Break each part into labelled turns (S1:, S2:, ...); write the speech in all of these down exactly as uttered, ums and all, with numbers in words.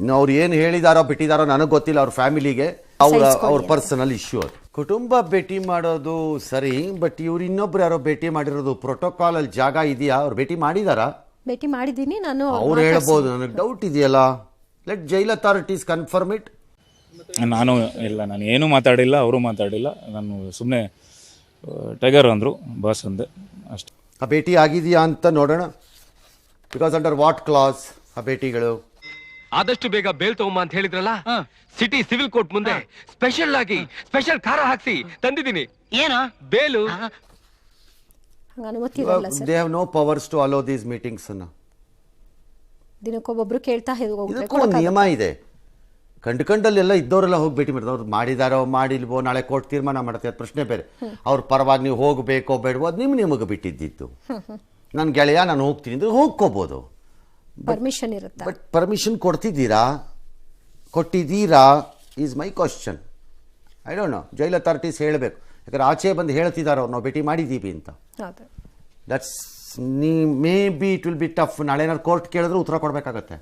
S1: ಇನ್ನು ಅವ್ರು ಏನು ಹೇಳಿದಾರೋ ಬಿಟ್ಟಿದಾರೋ ನನಗೆ ಗೊತ್ತಿಲ್ಲ. ಅವ್ರ ಫ್ಯಾಮಿಲಿಗೆ ಅವ್ರ ಅವ್ರ ಪರ್ಸನಲ್ ಇಶ್ಯೂ ಅದು. ಕುಟುಂಬ ಭೇಟಿ ಮಾಡೋದು ಸರಿ, ಬಟ್ ಇವ್ರು ಇನ್ನೊಬ್ರು ಯಾರೋ ಭೇಟಿ ಮಾಡಿರೋದು ಪ್ರೋಟೋಕಾಲ್ ಅಲ್ಲಿ ಜಾಗ ಇದೆಯಾ? ಅವ್ರು ಭೇಟಿ ಮಾಡಿದಾರಾ?
S2: ಭೇಟಿ ಮಾಡಿದ್ದೀನಿ ನಾನು.
S1: ಅವ್ರು ಹೇಳ್ಬೋದು, ನನಗೆ ಡೌಟ್ ಇದೆಯಲ್ಲ. Let jail authorities confirm it.
S3: ನಾನು ಇಲ್ಲ, ನಾನು ಏನೂ ಮಾತಾಡಿಲ್ಲ, ಅವರು ಮಾತಾಡಿಲ್ಲ. ನಾನು ಸುಮ್ಮನೆ ಟೈಗರ್ ಅಂದರು, ಬಾಸ್ ಅಂದೆ ಅಷ್ಟೇ.
S1: ಆ ಭೇಟಿ ಆಗಿದೆಯಾ ಅಂತ ನೋಡೋಣ. ಬಿಕಾಸ್ ಅಂಡರ್ ವಾಟ್ ಕ್ಲಾಸ್ ಆ ಭೇಟಿಗಳು?
S4: ಆದಷ್ಟು ಬೇಗ ಬೇಲ್ ತಗೊಂಬ ಅಂತ ಹೇಳಿದ್ರಲ್ಲ, ಸಿಟಿ ಸಿವಿಲ್ ಕೋರ್ಟ್ ಮುಂದೆ ಸ್ಪೆಷಲ್ ಆಗಿ ಸ್ಪೆಷಲ್ ಖಾರ ಹಾಕ್ಸಿ ತಂದಿದ್ದೀನಿ.
S5: ಏನೋ
S4: ಬೇಲು
S2: ಅನುಮತಿ ಇರಲ್ಲ sir.
S1: They have no powers to allow these meetings ಅನ್ನ.
S2: ದಿನಕ್ಕೊಬ್ಬೊಬ್ರು ಕೇಳ್ತಾ
S1: ಇದಕ್ಕೂ ಒಂದು ನಿಯಮ ಇದೆ. ಕಂಡು ಕಂಡಲ್ಲೆಲ್ಲ ಇದ್ದವರೆಲ್ಲ ಹೋಗಿ ಭೇಟಿ ಮಾಡಿದ್ರು. ಅವ್ರು ಮಾಡಿದಾರೋ ಮಾಡಿಲ್ವೋ ನಾಳೆ ಕೋರ್ಟ್ ತೀರ್ಮಾನ ಮಾಡುತ್ತೆ, ಅದು ಪ್ರಶ್ನೆ ಬೇರೆ. ಅವ್ರ ಪರವಾಗಿ ನೀವು ಹೋಗಬೇಕೋ ಬೇಡವೋ ಅದು ನಿಮ್ ನಿಮಗೆ ಬಿಟ್ಟಿದ್ದಿತ್ತು. ನನ್ನ ಗೆಳೆಯ ನಾನು ಹೋಗ್ತೀನಿ ಅಂದ್ರೆ ಹೋಗ್ಕೋಬೋದು,
S2: ಪರ್ಮಿಷನ್ ಇರುತ್ತೆ.
S1: ಬಟ್ ಪರ್ಮಿಷನ್ ಕೊಡ್ತಿದ್ದೀರಾ, ಕೊಟ್ಟಿದ್ದೀರಾ is my question. I don't know. Jail authorities ಹೇಳಬೇಕು, ಯಾಕಂದ್ರೆ ಆಚೆ ಬಂದು ಹೇಳ್ತಿದ್ದಾರೆ ಅವ್ರು ನಾವು ಭೇಟಿ ಮಾಡಿದ್ದೀವಿ ಅಂತ. ದಟ್ಸ್ ನೀ maybe it will be tough. ನಾಳೆ ಏನಾದ್ರು ಕೋರ್ಟ್ ಕೇಳಿದ್ರೆ ಉತ್ತರ ಕೊಡಬೇಕಾಗತ್ತೆ.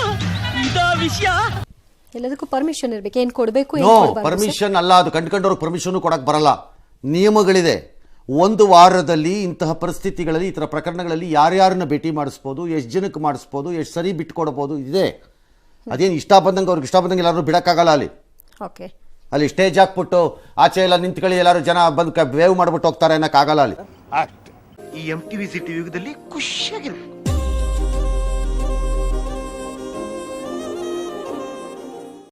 S2: ಎಲ್ಲದಕ್ಕೂ ಪರ್ಮಿಷನ್ ಇರಬೇಕು. ಏನು ಕೊಡಬೇಕು,
S1: ನೋ ಪರ್ಮಿಷನ್ ಅಲ್ಲ ಅದು. ಕಂಡುಕೊಂಡವ್ರಿಗೆ ಪರ್ಮಿಷನ್ ಕೊಡಕ್ಕೆ ಬರಲ್ಲ, ನಿಯಮಗಳಿದೆ. ಒಂದು ವಾರದಲ್ಲಿ ಇಂತಹ ಪರಿಸ್ಥಿತಿಗಳಲ್ಲಿ, ಈ ಥರ ಪ್ರಕರಣಗಳಲ್ಲಿ ಯಾರ್ಯಾರನ್ನ ಭೇಟಿ ಮಾಡಿಸ್ಬೋದು, ಎಷ್ಟು ಜನಕ್ಕೆ ಮಾಡಿಸ್ಬೋದು, ಎಷ್ಟು ಸರಿ ಬಿಟ್ಕೊಡ್ಬೋದು ಇದೆ. ಅದೇನು ಇಷ್ಟ ಬಂದಂಗೆ ಅವ್ರಿಗೆ ಇಷ್ಟ ಬಂದಂಗೆ ಎಲ್ಲರೂ ಬಿಡೋಕ್ಕಾಗಲ್ಲ. ಅಲ್ಲಿ
S2: ಓಕೆ
S1: ಅಲ್ಲಿ ಸ್ಟೇಜ್ ಹಾಕ್ಬಿಟ್ಟು ಆಚೆ ಎಲ್ಲ ನಿಂತ್ಕೊಳ್ಳಿ ಎಲ್ಲರೂ ಜನ ಬಂದು ವೇವ್ ಮಾಡ್ಬಿಟ್ಟು ಹೋಗ್ತಾರೆ ಅನ್ನೋಕ್ಕಾಗಲ್ಲ ಅಲ್ಲಿ.
S5: ಈ ಎಂ ಟಿವಿ ಸಿಟಿ ಯುಗದಲ್ಲಿ ಖುಷಿಯಾಗಿರ್ಬೇಕು.